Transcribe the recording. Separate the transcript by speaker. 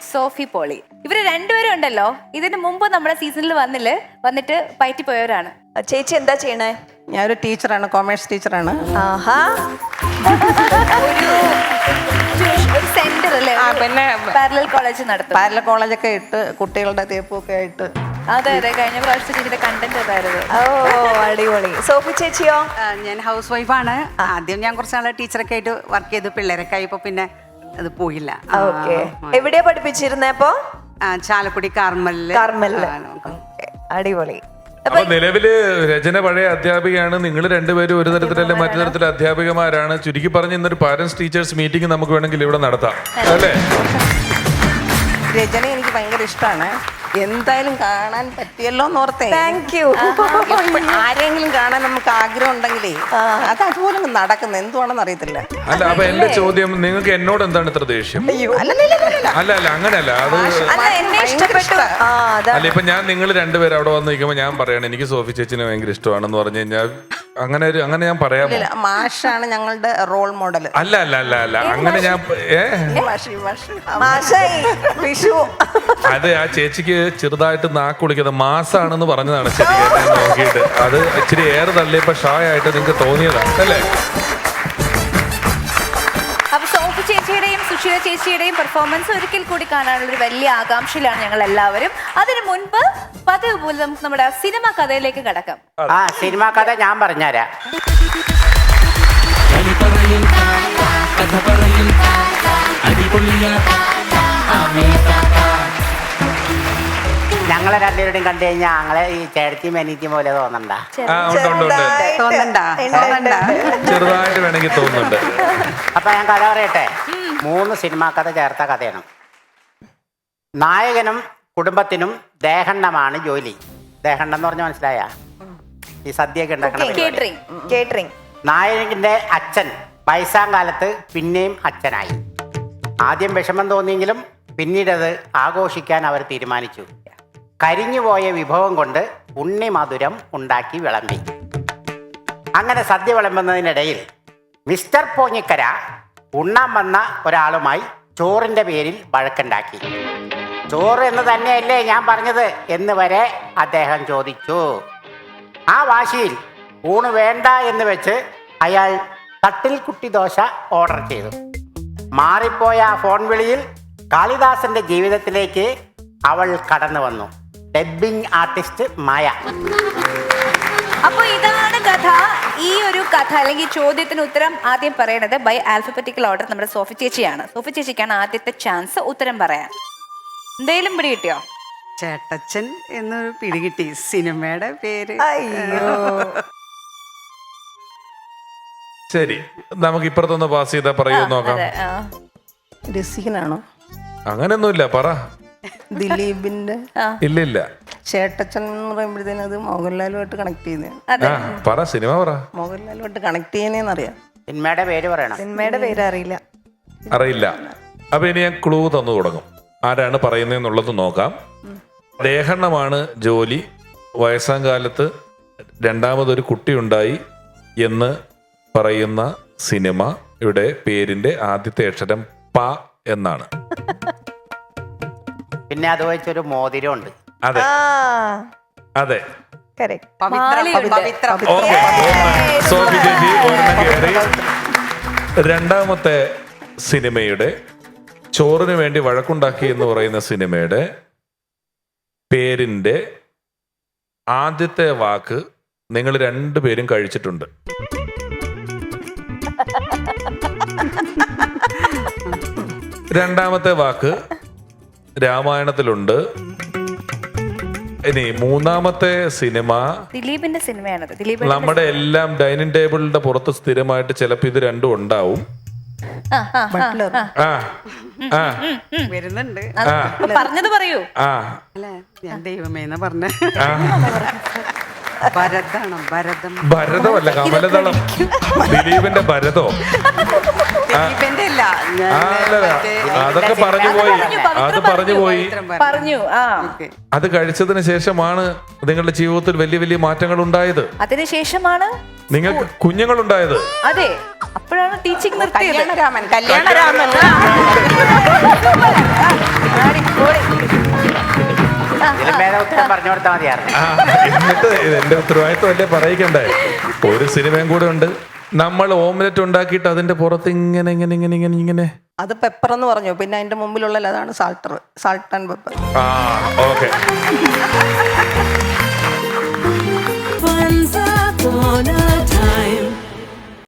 Speaker 1: Sophy poly. ഇവര് രണ്ടുപേരും ഉണ്ടല്ലോ, ഇതിന് മുമ്പ് നമ്മുടെ സീസണിൽ വന്നിട്ട് പയറ്റി പോയവരാണ്.
Speaker 2: ചേച്ചി എന്താ ചെയ്യണേ?
Speaker 3: ഞാനൊരു ടീച്ചറാണ്, കൊമേഴ്സ് ടീച്ചറാണ്.
Speaker 2: ആഹാ,
Speaker 1: ഒരു സെന്റർ അല്ലേ,
Speaker 3: പിന്നെ
Speaker 1: പാരലൽ കോളേജ് നടത്തും.
Speaker 3: പാരലൽ കോളേജൊക്കെ ഇട്ട് കുട്ടികളുടെ തേപ്പൊക്കെ ആയിട്ട്.
Speaker 1: അതെ അതെ, കഴിഞ്ഞ പ്രാവശ്യത്തെ ഇതിന്റെ കണ്ടന്റ് അതായിരുന്നു.
Speaker 2: ഓ അടിപൊളി. സോഫി ചേച്ചിയോ?
Speaker 4: ഞാൻ ഹൗസ് വൈഫാണ്. ആദ്യം ഞാൻ കുറച്ച് നാളെ ടീച്ചറൊക്കെ ആയിട്ട് വർക്ക് ചെയ്തു. പിള്ളേരൊക്കെ ആയപ്പോ പിന്നെ അത് പോയില്ല.
Speaker 2: ഓക്കെ, എവിടെയാ പഠിപ്പിച്ചിരുന്നേ അപ്പൊ?
Speaker 4: ചാലക്കുടി കാർമലില്.
Speaker 2: അടിപൊളി.
Speaker 5: അപ്പൊ നിലവില് രചന പഴയ അധ്യാപികയാണ്, നിങ്ങൾ രണ്ടുപേരും ഒരു തരത്തിലല്ല മറ്റു തരത്തിലെ അധ്യാപികമാരാണ്. ചുരുക്കി പറഞ്ഞ് ഇന്നൊരു പാരന്റ്സ് ടീച്ചേഴ്സ് മീറ്റിംഗ് നമുക്ക് വേണമെങ്കിൽ ഇവിടെ നടത്താം അല്ലേ?
Speaker 3: രചന എനിക്ക് ഭയങ്കര ഇഷ്ടമാണ്. എന്തായാലും കാണാൻ പറ്റിയല്ലോ എന്ന് ഓർത്തേ.
Speaker 2: Thank you.
Speaker 3: ആരെങ്കിലും കാണാൻ നമുക്ക് ആഗ്രഹം ഉണ്ടെങ്കിലേ അത് അതുപോലെ നടക്കുന്നത് എന്തുവാണെന്ന് അറിയത്തില്ല.
Speaker 5: അല്ല, അപ്പൊ എന്റെ ചോദ്യം, നിങ്ങൾക്ക് എന്നോട് എന്താണ് ഇത്ര ദേഷ്യം? അല്ല അങ്ങനെയല്ല, അത്
Speaker 2: എന്നെ ഇഷ്ടപ്പെട്ടു.
Speaker 5: അല്ല, ഇപ്പൊ ഞാൻ നിങ്ങൾ രണ്ടുപേരും അവിടെ വന്ന് നിൽക്കുമ്പോ ഞാൻ പറയണം എനിക്ക് സോഫി ചേച്ചിനെ ഭയങ്കര ഇഷ്ടമാണെന്ന് പറഞ്ഞു കഴിഞ്ഞാൽ അങ്ങനെ ഞാൻ പറയാമോ?
Speaker 3: മാഷാണ് ഞങ്ങളുടെ റോൾ മോഡൽ.
Speaker 5: അല്ല അങ്ങനെ ഞാൻ അത് ആ ചേച്ചിക്ക് ചെറുതായിട്ട് നാക്ക് കുളിക്കുന്നത് മാസാണെന്ന് പറഞ്ഞതാണ് ശരിയായിട്ട് നോക്കിയിട്ട്. അത് ഇച്ചിരി ഏറെ തള്ളിയപ്പോ ഷായായിട്ട് നിങ്ങൾക്ക് തോന്നിയതാണ് അല്ലേ?
Speaker 1: അപ്പൊ സോഫി ചേച്ചിയുടെയും സുശീല ചേച്ചിയുടെയും പെർഫോമൻസ് ഒരിക്കൽ കൂടി കാണാനുള്ള ഒരു വലിയ ആകാംക്ഷയിലാണ് ഞങ്ങൾ എല്ലാവരും. അതിനു മുൻപ് പതിവ് പോലെ നമുക്ക് നമ്മുടെ സിനിമ കഥയിലേക്ക് കടക്കാം.
Speaker 6: സിനിമ കഥ ഞാൻ പറഞ്ഞുതരാം. ഞങ്ങളെ രണ്ടുപേരുടെയും കണ്ടു കഴിഞ്ഞാൽ ഞങ്ങളെ ഈ ചേട്ടത്തിയും അനിയത്തിയും പോലെ തോന്നണ്ട?
Speaker 5: ചെറുതായിട്ട് വേണമെങ്കിൽ തോന്നുന്നുണ്ട്.
Speaker 6: അപ്പൊ ഞാൻ കഥ പറയട്ടെ. 3 സിനിമാ കഥ ചേർത്ത കഥയാണ്. നായകനും കുടുംബത്തിനും ദേഹണ്ണമാണ് ജോലി. ദേഹണ്ണം എന്ന് പറഞ്ഞാൽ മനസ്സിലായ ഈ സദ്യയൊക്കെ ഉണ്ടാക്കണം.
Speaker 2: കേറ്ററിംഗ്.
Speaker 6: നായകന്റെ അച്ഛൻ വയസ്സാം കാലത്ത് പിന്നെയും അച്ഛനായി. ആദ്യം വിഷമം തോന്നിയെങ്കിലും പിന്നീടത് ആഘോഷിക്കാൻ അവർ തീരുമാനിച്ചു. കരിഞ്ഞുപോയ വിഭവം കൊണ്ട് ഉണ്ണി മധുരം ഉണ്ടാക്കി വിളമ്പി. അങ്ങനെ സദ്യ വിളമ്പുന്നതിനിടയിൽ മിസ്റ്റർ പോഞ്ഞിക്കര ഉണ്ണാൻ വന്ന ഒരാളുമായി ചോറിൻ്റെ പേരിൽ വഴക്കുണ്ടാക്കി. ചോറ് എന്ന് തന്നെയല്ലേ ഞാൻ പറഞ്ഞത് എന്ന് വരെ അദ്ദേഹം ചോദിച്ചു. ആ വാശിയിൽ ഊണ് വേണ്ട എന്ന് വെച്ച് അയാൾ തട്ടിൽ കുട്ടി ദോശ ഓർഡർ ചെയ്തു. മാറിപ്പോയ ആ ഫോൺ വിളിയിൽ കാളിദാസന്റെ ജീവിതത്തിലേക്ക് അവൾ കടന്നു വന്നു. Dubbing artist Maya.
Speaker 1: അപ്പൊ ഇതാണ് കഥ. ഈ ഒരു കഥ അല്ലെങ്കിൽ ചോദ്യത്തിന് ഉത്തരം ആദ്യം പറയണത് ബൈ ആൽഫബറ്റിക്കൽ ഓർഡർ നമ്മുടെ സോഫി ചേച്ചിയാണ്. സോഫി ചേച്ചിക്കാണ് ആദ്യത്തെ ചാൻസ് ഉത്തരം പറയാൻ. എന്തെങ്കിലും പിടി കിട്ടിയോ?
Speaker 4: ചേട്ടച്ചൻ എന്നൊരു പിടികിട്ടി. സിനിമയുടെ പേര്
Speaker 5: ശരി, നമുക്ക് ഇപ്പുറത്തൊന്ന് പാസ് ചെയ്താ പറയൂ നോക്കാം.
Speaker 3: രസികനാണോ?
Speaker 5: അങ്ങനെയൊന്നുമില്ല, പറ.
Speaker 3: ദിലീപിന്റെ
Speaker 5: ഇല്ല.
Speaker 3: ചേട്ടച്ചൻ എന്ന് പറയുമ്പോഴത്തേനും അത് മോഹൻലാലുമായിട്ട് കണക്ട് ചെയ്യുന്നതാണ്.
Speaker 5: പറ, സിനിമ പറ.
Speaker 3: മോഹൻലാലുമായിട്ട് കണക്ട് ചെയ്യുന്നതെന്നറിയാം.
Speaker 6: സിനിമയുടെ പേര് പറയണം.
Speaker 2: സിനിമയുടെ പേര് അറിയില്ല.
Speaker 5: അപ്പൊ ഇനി ഞാൻ ക്ലൂ തന്നു തുടങ്ങും. ആരാണ് പറയുന്നതെന്നുള്ളത് നോക്കാം. ദേഹണ്ണമാണ് ജോലി. വയസ്സാം കാലത്ത് രണ്ടാമതൊരു കുട്ടിയുണ്ടായി എന്ന് പറയുന്ന സിനിമ. ഇവിടെ പേരിന്റെ ആദ്യത്തെ അക്ഷരം പ എന്നാണ്.
Speaker 6: പിന്നെ അത് വെച്ചൊരു മോതിരമുണ്ട്.
Speaker 5: അതെ അതെ. സോഫി ചേച്ചി ഒരെണ്ണം കയറി. രണ്ടാമത്തെ സിനിമയുടെ ചോറിന് വേണ്ടി വഴക്കുണ്ടാക്കി എന്ന് പറയുന്ന സിനിമയുടെ പേരിന്റെ ആദ്യത്തെ വാക്ക് നിങ്ങൾ രണ്ടുപേരും കഴിച്ചിട്ടുണ്ട്. രണ്ടാമത്തെ വാക്ക് രാമായണത്തിലുണ്ട്. ഇനി മൂന്നാമത്തെ സിനിമ
Speaker 1: ദിലീപിന്റെ സിനിമയാണത്.
Speaker 5: നമ്മുടെ എല്ലാം ഡൈനിങ് ടേബിളിന്റെ പുറത്ത് സ്ഥിരമായിട്ട് ചിലപ്പോ ഇത് രണ്ടും ഉണ്ടാവും.
Speaker 4: വരുന്നുണ്ട്.
Speaker 1: പറഞ്ഞത് പറയൂ.
Speaker 4: അല്ല, ഞാൻ ദൈവമേന്ന് പറഞ്ഞ
Speaker 5: ഭരതമല്ല, കമലദളം. ദിലീപിന്റെ ഭരതോ? അതൊക്കെ പറഞ്ഞു പോയി. അത് കഴിച്ചതിന് ശേഷമാണ് നിങ്ങളുടെ ജീവിതത്തിൽ വലിയ വലിയ മാറ്റങ്ങൾ ഉണ്ടായത്.
Speaker 1: അതിനുശേഷമാണ്
Speaker 5: നിങ്ങൾക്ക് കുഞ്ഞുങ്ങൾ ഉണ്ടായത്.
Speaker 1: അതെ, അപ്പോഴാണ് ടീച്ചിങ് നിർത്തിയത്.
Speaker 3: കല്യാണരാമൻ
Speaker 1: അടിപൊളി.
Speaker 6: ഇതിലും ഭേദം ഉത്തരം പറഞ്ഞു കൊടുത്താൽ മതിയായിരുന്നു.
Speaker 5: എന്നിട്ട് എന്റെ ഉത്തരവാദിത്വമല്ലേ പറയിക്കണ്ടേ. ഒരു സിനിമയും കൂടെ ഉണ്ട്. നമ്മൾ ഓംലെറ്റ് ഉണ്ടാക്കിയിട്ട് അതിന്റെ പുറത്ത് ഇങ്ങനെ ഇങ്ങനെ ഇങ്ങനെ ഇങ്ങനെ ഇങ്ങനെ
Speaker 3: അത് പെപ്പർ എന്ന് പറഞ്ഞു, പിന്നെ അതിന്റെ മുമ്പിലുള്ള അതാണ് സാൾട്ട് ആൻഡ് പെപ്പർ.
Speaker 5: ആ okay.
Speaker 7: Once upon a time.